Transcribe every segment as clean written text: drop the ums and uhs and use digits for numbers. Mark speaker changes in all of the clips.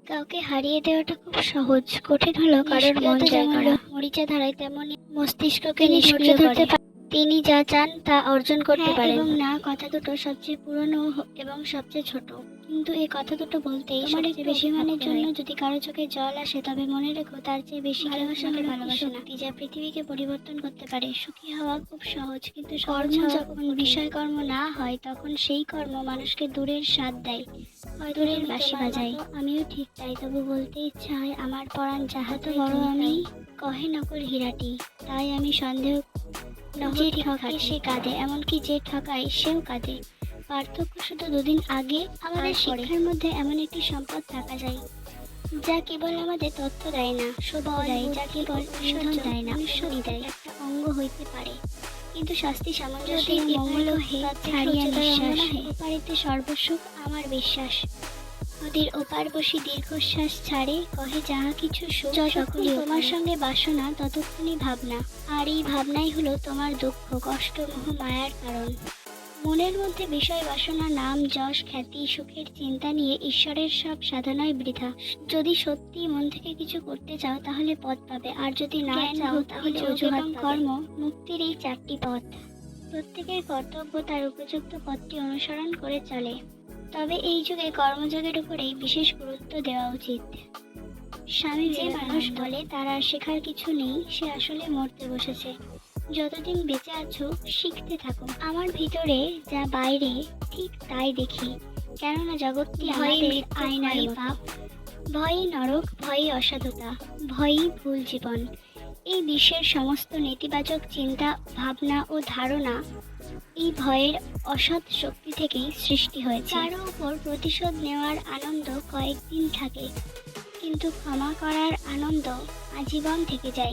Speaker 1: কাউকে হারিয়ে দেওয়াটা খুব সহজ, কঠিন হলো কারোর মন জয় করা। মরিচা ধারায় তেমনি মস্তিষ্ককে নিষ্ক্রিয় করতে তিনি যা চান তা অর্জন করতে পারেন। এবং না কথা দুটো সবচেয়ে পুরনো এবং সবচেয়ে ছোট, কিন্তু এই কথা দুটো বলতেই সবচেয়ে বেশি মানের জন্য যদি কারো চোখে জল আসে, তবে মনে রেখো তার চেয়ে বেশি ভালোবাসা হলো ভালোবাসা শক্তি, যা পৃথিবীকে পরিবর্তন করতে পারে। সুখী হওয়া খুব সহজ, কিন্তু কর্ম যখন বিষয় কর্ম না হয়, তখন সেই কর্ম মানুষকে দূরের স্বাদ দেয়, দূরের বাঁশি বাজায়। আমিও ঠিক তাই, তবু বলতে ইচ্ছা হয় আমার পরাণ যাহাত বড় আমি কহে নকল হীরাটি। তাই আমি সন্দেহ যে ঠকে সে কাঁদে, এমনকি যে ঠকায় সেও কাঁদে। পার্থক্য শুধু দুদিন আগে আমাদের শিক্ষার মধ্যে এমন একটি সম্পদ থাকা যায় যা কেবল আমাদের তথ্য দেয় না, সত্য দেয়, যা কেবল ইন্ধন দেয় না, অনুসরণ দেয়, একটা অঙ্গ হইতে পারে। কিন্তু শাস্তি সামঞ্জস্য মঙ্গল ছাড়িয়া নিঃশ্বাস, ওপারিতে সর্বসুখ আমার বিশ্বাস। নদীর ওপার বসি দীর্ঘশ্বাস ছাড়ে, কহে যাহা কিছু সুখ যতক্ষণ তোমার সঙ্গে বাসনা, ততক্ষণই ভাবনা। আর এই ভাবনাই হলো তোমার দুঃখ, কষ্ট, মোহ, মায়ার কারণ। মনের মধ্যে বিষয় বাসনা, নাম, যশ, খ্যাতি, সুখের চিন্তা নিয়ে ঈশ্বরের সব সাধনাই বৃথা। যদি সত্যি মন থেকে কিছু করতে চাও, তাহলে পথ পাবে, আর যদি না চাও, তাহলে অজুহাত কর্ম মুক্তির এই চারটি পথ। প্রত্যেকের কর্তব্য তার উপযুক্ত পথটি অনুসরণ করে চলে, তবে এই যুগে কর্মযোগের উপরেই বিশেষ গুরুত্ব দেওয়া উচিত। স্বামী যে মানুষ বলে তার আর শেখার কিছু নেই, সে আসলে মরতে বসেছে। যতদিন বেঁচে আছো শিখতে থাকো। আমার ভিতরে যা বাইরে ঠিক তাই দেখি, কেননা জগৎটি আমাদের আয়নার পাপ, ভয়ই নরক, ভয়ই অসাধুতা, ভয়ই ভুল জীবন। এই বিশ্বের সমস্ত নেতিবাচক চিন্তা, ভাবনা ও ধারণা এই ভয়ের অসৎ শক্তি থেকেই সৃষ্টি হয়েছে। কারো উপর প্রতিশোধ নেওয়ার আনন্দ কয়েকদিন থাকে, কিন্তু ক্ষমা করার আনন্দ আজীবন থেকে যায়।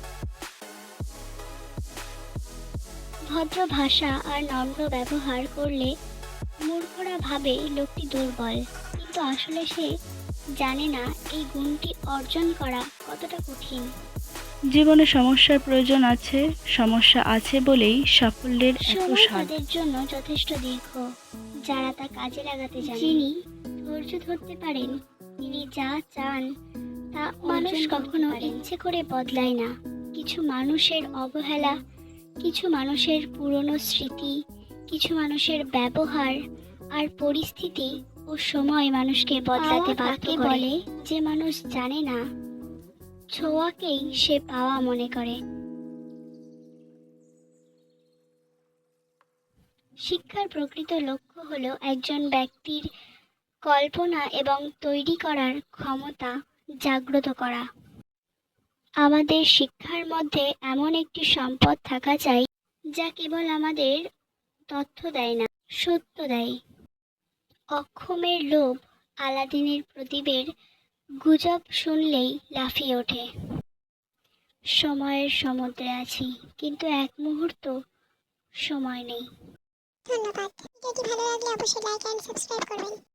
Speaker 1: ভদ্র ভাষা আর নম্র ব্যবহার করলে মূর্খরা ভাবে লোকটি দুর্বল, কিন্তু আসলে সে জানে না এই গুণটি অর্জন করা কতটা কঠিন।
Speaker 2: জীবনে সমস্যার প্রয়োজন আছে, সমস্যা আছে বলেই সাফল্যের এত
Speaker 1: সময়
Speaker 2: স্বাদ।
Speaker 1: তাদের জন্য যথেষ্ট দীর্ঘ, যারা তা কাজে লাগাতে জানে। যিনি ধৈর্য ধরতে পারেন, তিনি যা চান তা মানুষ কখনো ইচ্ছে করে বদলায় না। কিছু মানুষের অবহেলা, কিছু মানুষের পুরনো স্মৃতি, কিছু মানুষের ব্যবহার আর পরিস্থিতি ও সময় মানুষকে বদলাতে বাধ্য করে। যে মানুষ জানে না, ছোঁয়াকেই সে পাওয়া মনে করে। শিক্ষার প্রকৃত লক্ষ্য হলো একজন ব্যক্তির কল্পনা এবং তৈরি করার ক্ষমতা জাগ্রত করা। আমাদের শিক্ষার মধ্যে এমন একটি সম্পদ থাকা চাই যা কেবল আমাদের তথ্য দেয় না, সত্য দেয়। অক্ষমের লোভ আলাদিনের প্রদীপের গুজব শুনলেই লাফিয়ে ওঠে। সময়ের সমুদ্রে আছি, কিন্তু এক মুহূর্ত সময় নেই।
Speaker 3: ধন্যবাদ। ভিডিওটি ভালো লাগলে অবশ্যই লাইক এন্ড সাবস্ক্রাইব করবেন।